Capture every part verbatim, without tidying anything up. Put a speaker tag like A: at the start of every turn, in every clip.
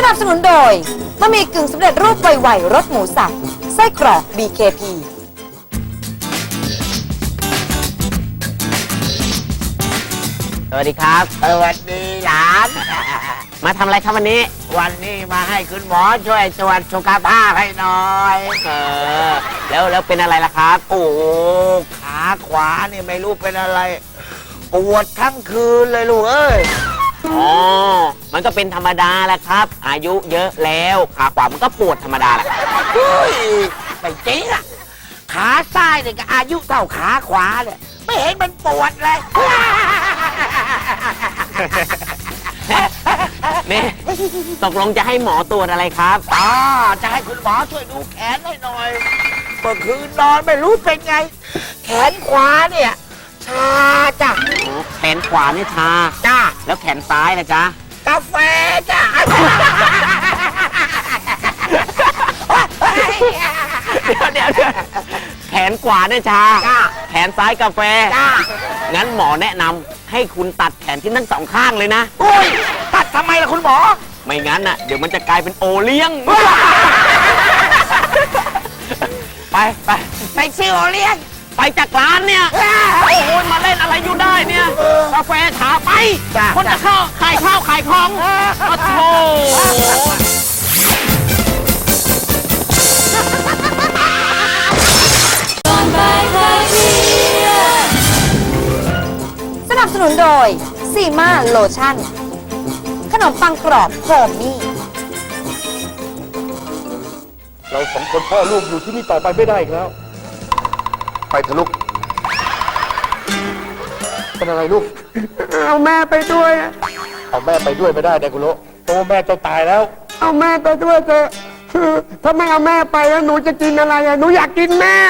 A: นับสนุนโดยบะหมี่กึ่งสำเร็จรูปไวๆรสหมูสับไส้กรอก บี เค พี
B: สวัสดีครับสวัสดีหลานมาทำอะไรครับวันนี้วันนี้มาให้คุณหมอช่วยตรวจสุขภาพให้หน่อยเออแล้วแล้วเป็นอะไรล่ะครับโอ้ขาขวานี่ไม่รู้เป็นอะไรปวดทั้งคืนเลยลูกเอ้ยอ๋อมันก็เป็นธรรมดาแหละครับอายุเยอะแล้วขาขวามันก็ปวดธรรมดาแหละเฮ้ยไม่จริงอะขาซ้ายเนี่ยก็อายุเท่าขาขวาเลยไม่เห็นมันปวดเลยนี่ตกลงจะให้หมอตรวจอะไรครับอ๋อจะให้คุณหมอช่วยดูแขนให้หน่อยเมื่อคืนนอนไม่รู้เป็นไงแขนขวาเนี่ยชาจ้ะแขนขวานี่ชาจ้าแล้วแขนซ้ายนะจ๊ะกาแฟจ้ะเดี๋ยวเดี๋ยวแขนขวาเนี่ยชาแขนซ้ายกาแฟงั้นหมอแนะนำให้คุณตัดแขนที่ทั้งสองข้างเลยนะโอ้ยตัดทำไมล่ะคุณหมอไม่งั้นน่ะเดี๋ยวมันจะกลายเป็นโอเลี้ยงไปไปไปซื้อโอเลี้ยงไปจากร้านเนี่ยโอ้โหมาเล่นอะไรอยู่ได้เนี่ยกาแฟถาไปคนจะเข้าขายข้าวขายของโอ้โห
A: สนับสนุนโดยซีมาโลชั่นขนมปังกรอบโฮมมี่
C: เราสองคนพ่อลูกอยู่ที่นี่ต่อไปไม่ได้อีกแล้วไปเถอะลูกเป็นอะไรลูกเอาแม่ไปด้วยเอาแม่ไปด้วยไม่ได้เด็กกุโลเพราะว่าแม่จะตายแล้วเอาแม่ไปด้วยเถอะถ้าไม่เอาแม่ไปแล้วหนูจะกินอะไรอ่ะหนูอยากกินแม่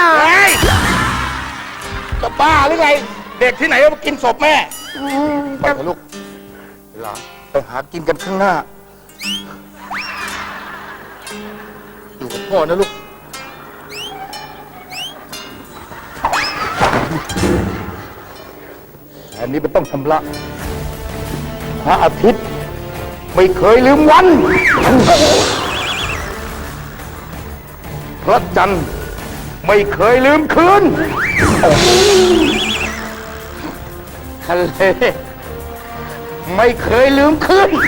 C: จะบ้าหรือไงเด็กที่ไหนมากินศพแม่ไปเถอะลูกหลานไปหากินกันข้างหน้าอยู่กับพ่อนะลูกอันนี้มันต้องชำระพระอาทิตย์ไม่เคยลืมวันพระจันทร์ไม่เคยลืมคืนทะเลไม่เคยลืมคืน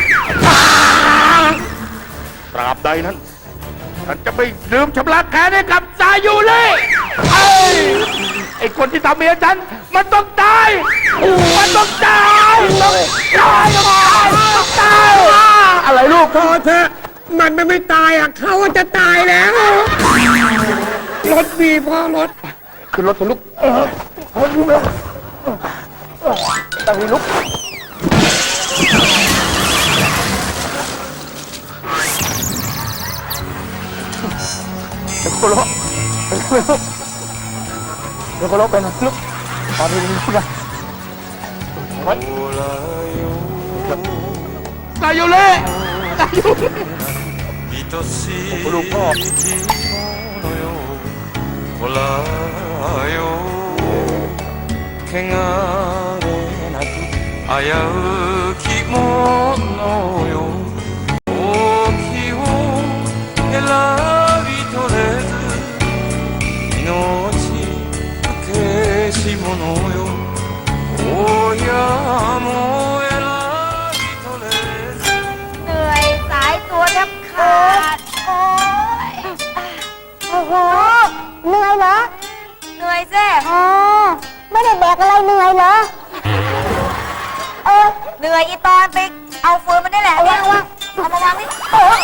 C: ตราบใดนั้นฉันจะไม่ลืมชำระแค้นให้กับสายุเลยไอ้ไอ้คนที่ทำเมียฉันมันต้องตายมันต้องตายต้องตายต้องตายต้องตายอะไรลูกพอเถอะมันไม่ไม่ตายอ่ะเขาจะตายแล้วรถดีพ่อรถขึ้นรถเถอะลูกเออรถดีแล้วตั้งให้ลุกเดี๋ยวโคโลเดี๋ยวโคโลเดี๋ยวโคโลไปนะลูกตอนนี้ลูกนะไว้ตายอยู่เลยตายอยู่ลูกพ่อ
D: 汚れなく危うきものよ大きを選び取れず命けし者よ親も選び取れず
A: เหนื่อยสายตัวแทบขาดโอ้ยโอ้โหเหนื่อยเหรอเหนื่อยสิอ๋อไม่ได้แบกอะไรเหนื่อยเหรอเออเหนื่อยอีตอนไปเอาฟืนมันนี่แหละวางวางเอามาวางนี่โอ้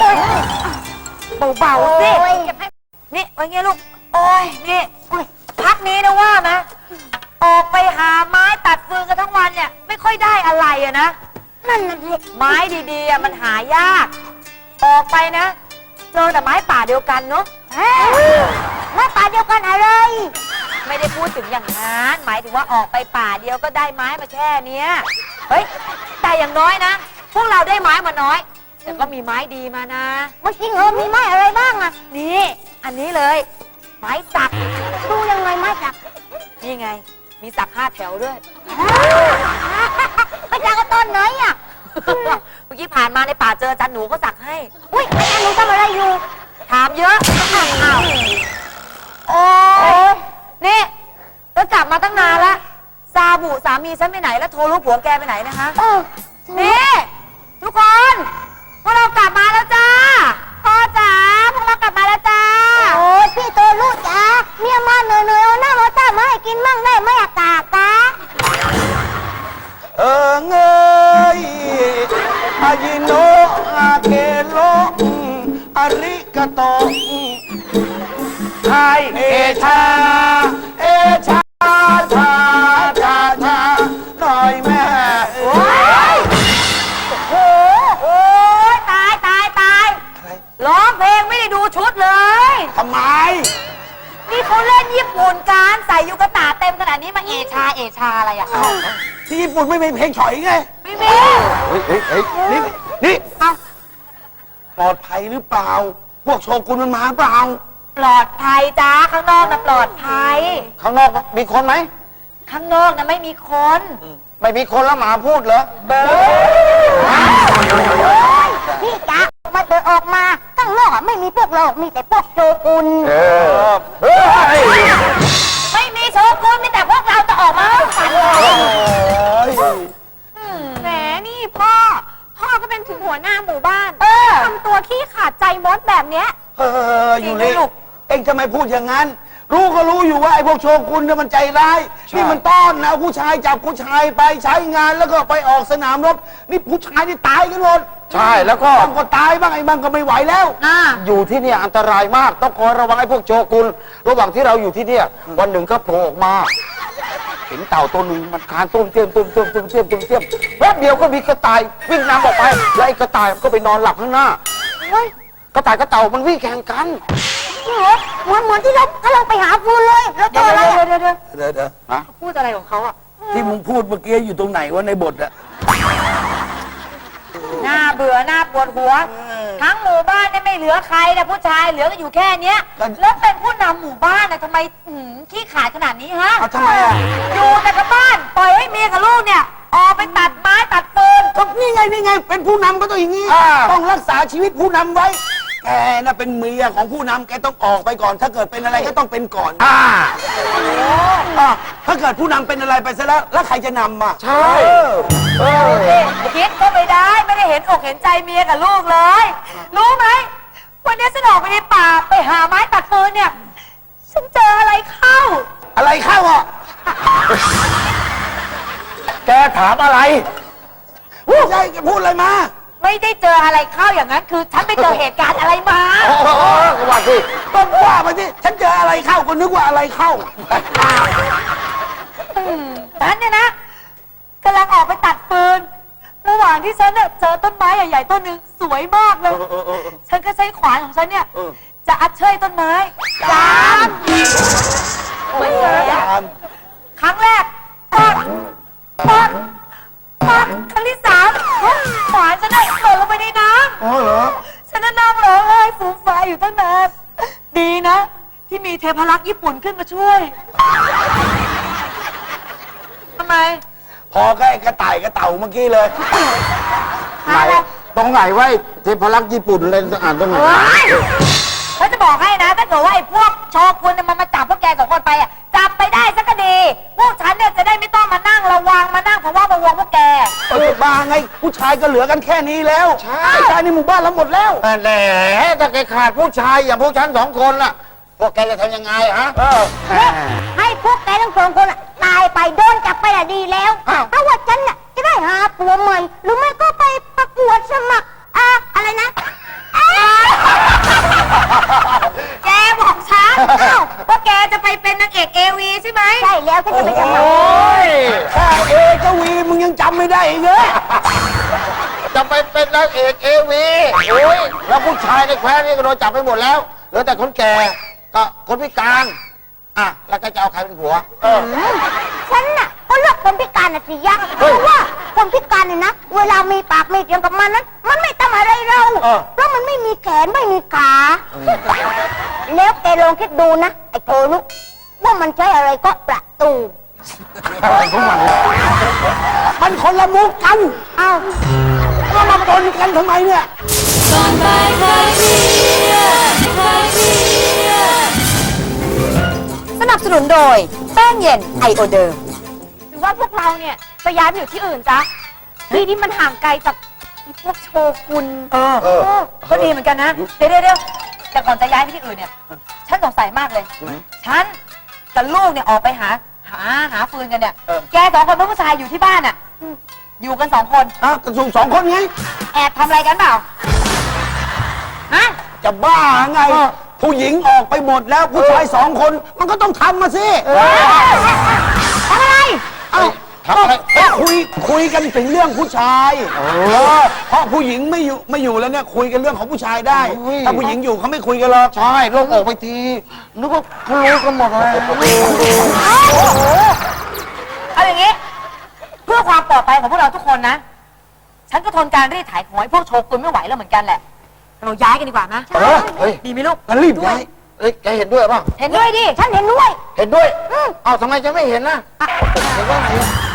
A: เบาๆสินี่ว่าไงลูกโอ้ยนี่พักนี้นะว่านะออกไปหาไม้ตัดฟืนกันทั้งวันเนี่ยไม่ค่อยได้อะไรอะนะนั่นไม้ดีๆมันหายากออกไปนะเจอแต่ไม้ป่าเดียวกันเนาะไม้ป่าเดียวกันอะไรไม่ได้พูดถึงอย่างนั้นหมายถึงว่าออกไปป่าเดียวก็ได้ไม้มาแค่เนี้ยเฮ้ยแต่อย่างน้อยนะพวกเราได้ไม้มาน้อยแต่ก็มีไม้ดีมานะว่าจริงเหรอมีไม้อะไรบ้างอะนี่อันนี้เลยไม้สักดูยังไงไม้สักนี่ไงมีสักห้าแถวด้วยไปจากต้นไหนอะเมื่อกี้ผ่านมาในป่าเจออาจารย์หนูก็สักให้ อุ้ยอาจารย์หนูทำอะไรอยู่ ถามเยอะอ้าวโอ้ยนี่ก็กลับมาตั้งนานละซาบุสามีฉันไปไหนแล้วโทรรู้ผัวแกไปไหนนะคะนี่ทุกคนพวกเรากลับมาแล้วจ้าพ่อจ๋าพวกเรากลับมาแล้วจ้า
E: โอ้ยพี่ตัวลูกจ๋าเมียมาเหนื่อยๆเอาหน้ามาต้ามาให้กินมั่งได้ไหมอากาศกะ
C: เออเงยอายิโนอาเกโลอาริกาโตไทยเอชาเอชาชาชาชาหน่อยแม่
A: โอ้ยโอ้โอ้ยตายตายตายร้องเพลงไม่ได้ดูชุดเลย
C: ทำไม
A: นี่เขาเล่นญี่ปุ่นการใส่ยูกะตาเต็มขนาดนี้มาเอชาเอชาอะไรอ่ะ
C: ที่ญี่ปุ่นไม่มีเพลงฉอยไง
A: ไม่มี
C: เฮ้ยเฮ้ยเฮ้ยนี่นี่
A: เอา
C: ปลอดภัยหรือเปล่า พวกโชกุนมันมาเปล่า
A: ปลอดภัยจ้าข้างนอกนะปลอดภัย
C: ข้างนอกมีคนไหม
A: ข้างนอกนะไม่มีคน
C: ไม่มีคนแล้วหมาพูดเหรอ
E: พี่จ๋ามาเดินออกมาข้างนอกอะไม่มีพวกเรามีแต่พวกโจกุน
C: เออเฮ้ย
A: ไม่มีโชกุนมีแต่พวกเราจะออกมาให้ฝันเลย
E: แหมนี่พ่อ พ่อก็เป็นถึงหัวหน้าหมู่บ้าน
A: เออ
E: ทำตัวขี้ขาดใจมดแบบเนี้ย
C: เอออยู่เลยเอ็งทำไมพูดอย่างนั้น รู้ก็รู้อยู่ว่าไอ้พวกโชกุนเนี่ยมันใจร้าย นี่มันต้อนนะเอาผู้ชายจับผู้ชายไปใช้งานแล้วก็ไปออกสนามรบ นี่ผู้ชายนี่ตายกันหมด
F: ใช่แล้วก็
C: บางก็ตายบ้างไอ้บางก็ไม่ไหวแล้ว
A: อ่า
F: อยู่ที่เนี่ยอันตรายมากต้องคอยระวังไอ้พวกโจกุลระหว่างที่เราอยู่ที่เนี่ยวันหนึ่งก็โผล่ออกมาเห็นเต่าตัวหนึ่งมันคลานตุ้มเตี้ยมตุ้มเตี้ยมตุ้มเตี้ยมตุ้มเตี้ยมแป๊บเดียวก็มีกระต่ายวิ่งนำออกไปแล้วไอ้กระต่ายก็ไปนอนหลับข้างหน้า
E: เฮ้ย
F: กระต่ายกับเต่ามันวิ่งแข่งกัน
E: นี่เหรอเหมือนเหมือนที่เราถ้าเราไปหาฟูนเลยแล้วเจ
A: เดี๋ยว
E: ออะไร
A: เดี๋ยว
E: อะ
A: เดี๋ยวเดี๋ยว
C: เดี๋ยวเดี๋ยว
A: พูดอะไรของเขาอ่ะ
C: ที่มึงพูดเมื่อกี้อยู่ตรงไหนวะในบทอะ
A: หน้าเบื่อหน้าปวดหัว ทั้งหมู่บ้านเนี่ยไม่เหลือใครนะผู้ชายเหลือก็อยู่แค่เนี้ย แล้วเป็นผู้นำหมู่บ้านนะทำไมอื้อหือขี้ขลาดขนาดนี้ฮะ
C: เอาทำไมอะ
A: อยู่แต่กับบ้านปล่อยให้เมียกับลูกเนี่ยออกไปตัดไม้ตัดฟืน
C: ก็นี่ไงนี่ไงเป็นผู้นำก็ต้องอย่างนี้
F: อ่า
C: ต้องรักษาชีวิตผู้นำไว้ แกน่ะเป็นเมียของผู้นำแกต้องออกไปก่อน ถ้าเกิดเป็นอะไรก็ต้องเป็นก่อน
F: อ่า
C: อ่ะถ้าเกิดผู้นำเป็นอะไรไปซะแล้ว แล้วใครจะนำอ่ะ
F: ใช่
C: เออ
A: คิดก็ไม่ได้ไม่ได้เห็นอกเห็นใจเมียกับลูกเลย รู้ไหมวันนี้ฉันออกไปในป่าไปหาไม้ตัดฟืนเนี่ย ฉันเจออะไรเข้า
C: อะไรเข้าอ่ะ
F: แกถามอะไร
C: ไม่ใช่แกพูดอะไรมา
A: ไม่ได้เจออะไรเข้าอย่างนั้นคือฉันไปเจอเหตุการณ์อะไรมา
F: โอ้โหก็ว่าสิ
C: ต้องว่ามาสิฉันเจออะไรเข้าก็นึกว่าอะไรเข้า
A: ฉันเนี่ยนะกำลังออกไปตัดฟืน ระหว่างที่ฉันเนี่ยเจอต้นไม้ใหญ่ๆต้นหนึ่งสวยมากเลย ฉันก็ใช้ขวานของฉันเนี่ย จะอัดเชยต้นไม้จามเหมือนกันครั้งแรกปักปักปักครั้งที่สามขวานฉันเนี่ยตกลงไปในน้ำ
C: อ๋อเหรอ
A: ฉันนั่งร้องไห้ฟูมฟายอยู่ตั้งนานดีนะ ที่มีเทพรักษ์ญี่ปุ่นขึ้นมาช่วยทำไม
C: พอใกล้กระต่ายกระเต่าเมื่อกี้เลย
F: ไหนตรงไหนไว้เทพรักษ์ญี่ปุ่นเลยอ่านตรงไหน
A: เฮ้ยเขาจะบอกให้นะ ถ้าเกิดว่าไอ้พวกโชกุนเนี่ยมันมาจับพวกแกสองคนไปอ่ะ จับไปได้สักก็ดี พวกฉันเนี่ยจะได้ไม่ต้องมานั่งระวังมานั่งเพราะว่าระวังพวกแก
C: เออบ้าไง ผู้ชายก็เหลือกันแค่นี้แล้ว
F: ใช่
C: ผู้ชายในหมู่บ้านเราหมดแล้ว
F: แหมถ้าแกขาดผู้ชายอย่างพวกฉันสองคนล่ะ พวกแกจะทำยังไงฮะ
C: เออ
E: ให้พวกแกทั้งสองคนอะตายไปโดนจับไปอะดีแล้ว
F: อ้าว
E: เพราะว่าฉันน่ะจะได้หาผัวใหม่หรือไม่ก็ไปประกวดสมัครอ่าอะไรนะอ่า
A: แกบอกฉันว่าแกจะไปเป็นนางเอกเอวีใช่ไหม
E: ใช่แล้วฉันจะไปสมัคร
F: โอ้ย
C: แค่เอเจาวีมึงยังจำไม่ได้อีกเหรอ
F: จะไปเป็นนางเอกเอวีโอ้ยแล้วผู้ชายในแคว้นนี่ก็โดนจับไปหมดแล้วเหลือแต่คนแก่ก็คนพิการอ่ะแล้วก็จะเอาใครเป็นผัว เออ
E: ฉันน่ะก็เลือกคนพิการน่ะสิยะเพ
F: เฮ้ย
E: ราะว่าคนพิการเนี่ยนะ เวลามีปากมีเสียงกับมันนั้น มันไม่ทำอะไรเรา
F: เออ
E: เพราะมันไม่มีแขนไม่มีขา แล้วแกลองคิดดูนะไอ้โทลุว่ามันใช้อะไรก็ประตู
F: มันคนละมุกกัน อ้าวก็มาปนกันทำไมเนี่ย
A: สนับสนุนโดยแป้งเย็นไอโอเดิม
E: หรือว่าพวกเราเนี่ยไปย้ายไปอยู่ที่อื่นจ๊ะที่ที่มันห่างไกลจากไอ้พวกโชกุน
A: เออ
F: เออ
A: ก็ดีเหมือนกันนะ เดี๋ยวเดี๋ยวเดี๋ยวแต่ก่อนจะย้ายไปที่อื่นเนี่ย ฉันสงสัยมากเลย ฉันกับลูกเนี่ยออกไปหา หาหาฟืนกันเนี่ย แกสองคนเป็นผู้ชายอยู่ที่บ้านอ่ะ อยู่กันสองคน
F: อ่ะกระสุนสองคนไง
A: แอบทำอะไรกันเปล่า ฮะ
F: จะบ้าไง ผู้หญิงออกไปหมดแล้วผู้ชายสองคน มันก็ต้องทำมาสิ
A: ทำอะไร
F: เอ้าก็คุยคุยกันถึงเรื่องผู้ชายเออเพราะผู้หญิงไม่อยู่ไม่อยู่แล้วเนี่ยคุยกันเรื่องของผู้ชายได้ ถ้าผู้หญิงอยู่เขาไม่คุยกันหรอกใช่ลงออกไปทีนึกว่าเขารู้กันหมดเลย
A: เอาอย่างนี้ เพื่อความปลอดภัยของพวกเราทุกคนนะ ฉันก็ทนการรีดไถของไอ้พวกโชกุนไม่ไหวแล้วเหมือนกันแหละ เราย้ายกันดีกว่านะ
F: เออเฮ้ย
A: ดีไหมลูก
F: งั้นรีบย้ายเอ้ยแกเห็นด้วยป่ะ
A: เห็นด้วยดิ
E: ฉันเห็นด้วย
F: เห็นด้วยเอ้าทำไมจะไม่เห็นนะเห็นว่าไง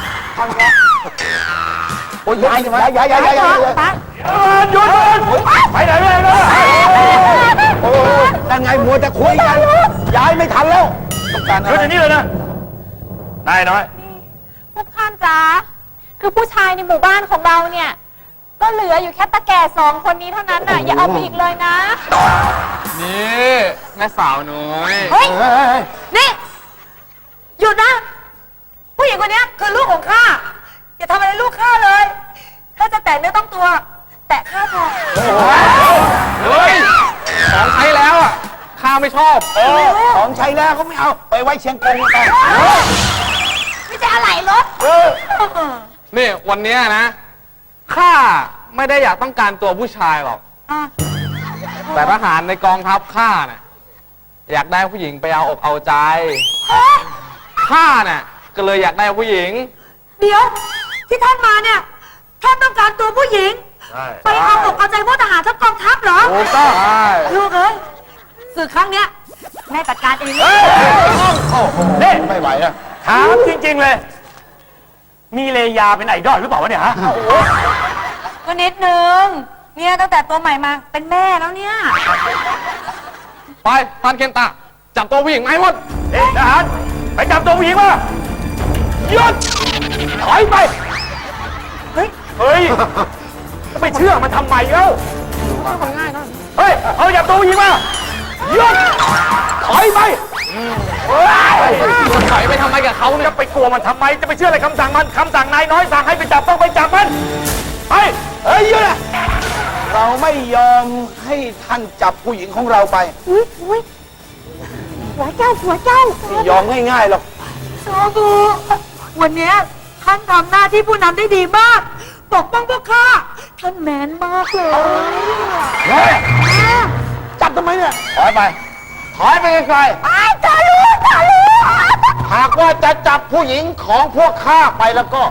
F: โอ้ยย้ายย้ายย้ายย้ายย้ายย้าย
A: ไป
C: หยุดหยุดไปไหนไปไหน
F: โอ้ยนั่นไงมัวจะคุยกัน ย้ายไม่ทันแล้วต้องการ
C: หยุดอย่างนี้เลยนะ นายน้อย
E: พวกท่านจ๊ะคือผู้ชายในหมู่บ้านของเราเนี่ย ก็เหลืออยู่แค่ตาแก่สองคนนี้เท่านั้นน่ะ อย่าเอาไปอีกเลยนะ
D: นี่แม่สาวน้อย
A: เฮ้ย นี่ หยุดนะ ผู้หญิงคนนี้คือลูกของข้า อย่าทำอะไรลูกข้าเลย ถ้าจะแตะเนื้อต้องตัว แตะข้าพอ
D: เฮ้ย ของใช้แล้วอ่ะ ข้าไม่ชอบ
F: เออของใช้แล้วเขาไม่เอาไปไว้เชียงกงไป
E: ไม่ใช่อะไรรถ
D: นี่วันเนี้ยนะ ข้าไม่ได้อยากต้องการตัวผู้ชายหรอก
A: อ่ะ
D: แต่ทหารในกองทัพข้าเนี่ยอยากได้ผู้หญิงไปเอาอกเอาใจ ข้าเนี่ยก็เลยอยากได้ผู้หญิง
A: เดี๋ยว ที่ท่านมาเนี่ย ท่านต้องการตัวผู้หญิง
C: ใช่
A: ไปเอาอกเอาใจพวกทหารทัพกองทัพเหรอ
F: ถูกต้อง
A: ลูกเอ้ยศึกครั้งเนี้ยแม่จัดการเองเลย
C: นี่
F: ไม่ไหวอะ
C: ถามจริง ๆ เลย มีเลยาเป็นไอดอลหรือเปล่าวะเนี่ยฮะ
A: ก็นิดนึง เนี่ยตั้งแต่ตัวใหม่มาเป็นแม่แล้วเนี่ย
D: ไปพันเคนตะ จับตัวผู้หญิงมาให้หมด
C: เอ๊ะทหารไปจับตัวผู้หญิงมาหยุดถอยไป
A: เฮ้ย
C: เฮ้ยจะไปเชื่อมันทำไมเอ้าเฮ้ย เอาจับตัวผู้หญิงมาหยุดถอยไปเฮ้ย
D: ถอยไปทำไมกับเขาเนี่ย
C: จะไปกลัวมันทำไม จะไปเชื่ออะไรคำสั่งมันคำสั่งนายน้อยสั่งให้ไปจับต้องไปจับมัน ไป
F: เฮ้ยหยุดอะเราไม่ยอมให้ท่านจับผู้หญิงของเราไป
E: อุ้ยอุ้ยหัวเจ้าหัวเจ้า
F: ไม่ยอมง่ายๆหรอก
A: โซบูวันเนี้ยท่านทำหน้าที่ผู้นำได้ดีมาก ปกป้องพวกข้า ท่านแมนมากเลย
F: เฮ้ยจับทำไมเนี่ย ถอยไป ถอยไปไกล
E: ไอ้จะรู้จะรู้
F: ๆหากว่าจะจับผู้หญิงของพวกข้าไปแล้วก็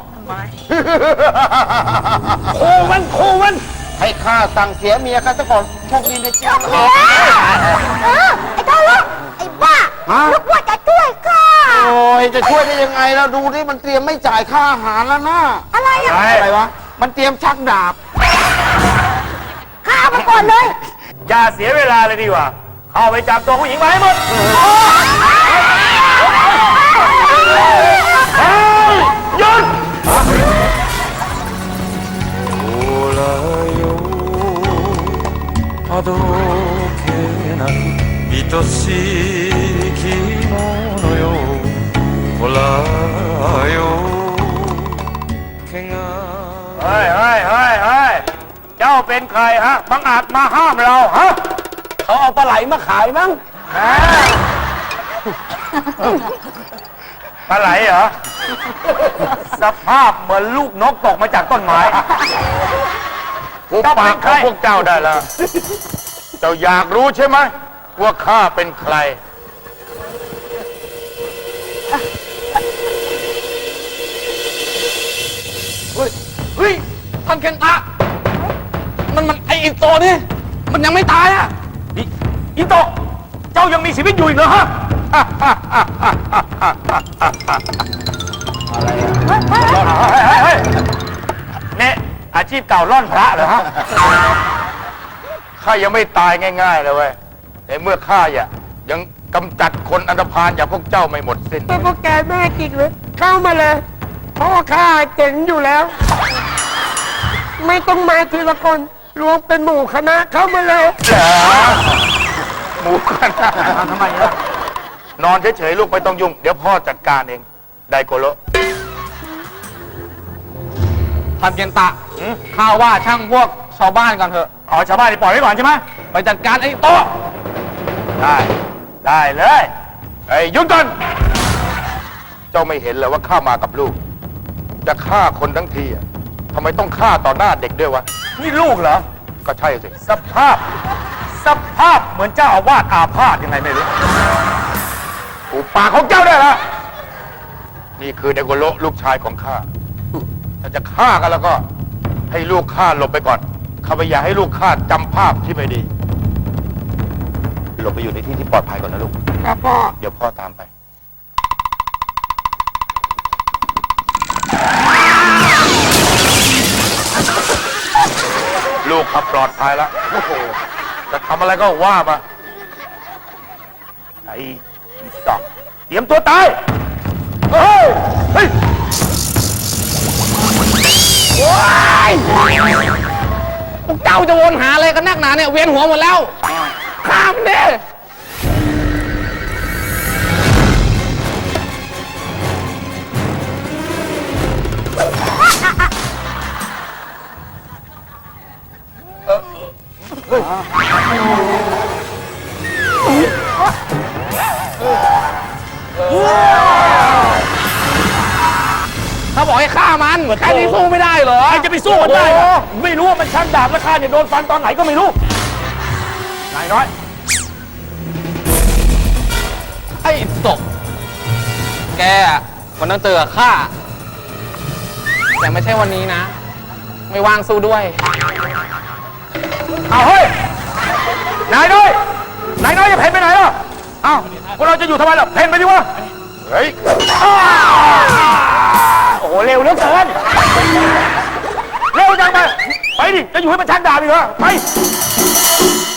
F: คู่มันคู่มัน ให้ข้าสั่งเสียเมียข้าซะก่อนโชคดีนะจ๊ะ
E: เออไอ้เจ้าลูกไอ้บ้า
F: ฮะ
E: ลูกว่าจะช่วยข้า
F: โอ้ยจะช่วยได้ยังไงแล้วดูดิมันเตรียมไม่จ่ายค่าอาหารแล้วนะ
E: อะไรอ่ะ
F: อะไรวะ มันเตรียมชักดาบ
E: ข้าเอามาก่อนเลย
C: อย่าเสียเวลาเลยดีกว่า เข้าไปจับตัวผู้หญิงมาให้หมดเฮ้ยหยุด
D: โอらよあどけない愛しい着物よほらよ怪我
C: เฮ้ยเฮ้ยเฮ้ยเฮ้ยเจ้าเป็นใครฮะ บังอาจมาห้ามเราฮะ
F: เขาเอาปลาไหลมาขายมั้ง
C: ปลาไหลเหรอ สภาพเหมือนลูกนกตกมาจากต้นไม้เจ้าเป็นใครพวกเจ้าได้แล้ว เจ้าอยากรู้ใช่ไหมว่าข้าเป็นใคร
D: เฮ้ย เฮ้ยท่านเคนตะ มันมันไออินโตนี่ มันยังไม่ตายอ่ะ
C: อิอิโตะเจ้ายังมีชีวิตอยู่อีกเหรอฮะอะไรอะร่อนเฮ้ยเฮ้ยเฮ้ยเนี่ยอาชีพเก่าร่อนพระเหรอฮะข้ายังไม่ตายง่ายๆเลยเว้ยในเมื่อข้าอ่ะยังกำจัดคนอันธพาลอย่างพวกเจ้าไม่หมดสิ้น
G: เป็นพวกแกแม่กิกเลยเข้ามาเลยพ่อข้าเจ๋งอยู่แล้ว ไม่ต้องมาทีละคนรวมเป็นหมู่คณะเข้ามาเลย
C: เหรอหมูกันทำไมล่ะนอนเฉยๆลูกไม่ต้องยุ่ง เดี๋ยวพ่อจัดการเอง ไดโกโล
H: ท่านเกียนตะข้าว่าช่างพวกชาวบ้านกันเถอะ
C: อ๋อชาวบ้านนี่ปล่อยไว้ก่อนใช่ไหม
H: ไปจัดการไอ้โต๊ะ
C: ได้ ได้เลยไอ้ยหยุดก่อน เจ้าไม่เห็นเลยว่าข้ามากับลูก จะฆ่าคนทั้งทีอะทำไมต้องฆ่าต่อหน้าเด็กด้วยวะ นี่ลูกเหรอ ก็ใช่สิ สภาพ สภาพเหมือนเจ้าอาวาสอาพาธยังไงไม่รู้ถูกปากของเจ้าได้ละนี่คือเดโกโลลูกชายของข้า ถ้าจะฆ่ากันแล้วก็ ให้ลูกข้าหลบไปก่อน ข้าไม่อยากให้ลูกข้าจำภาพที่ไม่ดี หลบไปอยู่ในที่ที่ปลอดภัยก่อนนะลูก
G: ครับพ่อ
C: เดี๋ยวพ่อตามไป ลูกขับปลอดภัยแล้ว โอ้โห จะทำอะไรก็ว่ามา ไอ้ดอกเตรียมตัวตาย เฮ้ย เฮ้ย
H: พวกเจ้าจะวนหาอะไรกันนักหนาเนี่ยเวียนหัวหมดแล้วข้ามเด้ ถ้าบอกให้ฆ่ามันแค่นี้สู้ไม่ได้เหรอ
C: ใครจะไปสู้มันได้ล่ะไม่รู้ว่ามันชักดาบแล้วข้าเนี่ยโดนฟันตอนไหนก็ไม่รู้ นายน้อย
H: ไอ้ตก แกอะวันนั้นเจอข้า แต่ไม่ใช่วันนี้นะ ไม่ว่างสู้ด้วย
C: เอาเฮ้ย นายน้อย นายน้อยจะเพ่นไปไหนล่ะอ้าวพวกเราจะอยู่ทำไมล่ะ เพ่นไปดิวะ เฮ้ยอ้าโอ้โห เร็วเหลือเกิน เร็วจังไป ไปดิ จะอยู่ให้มันชักดาบอีกเหรอ ไป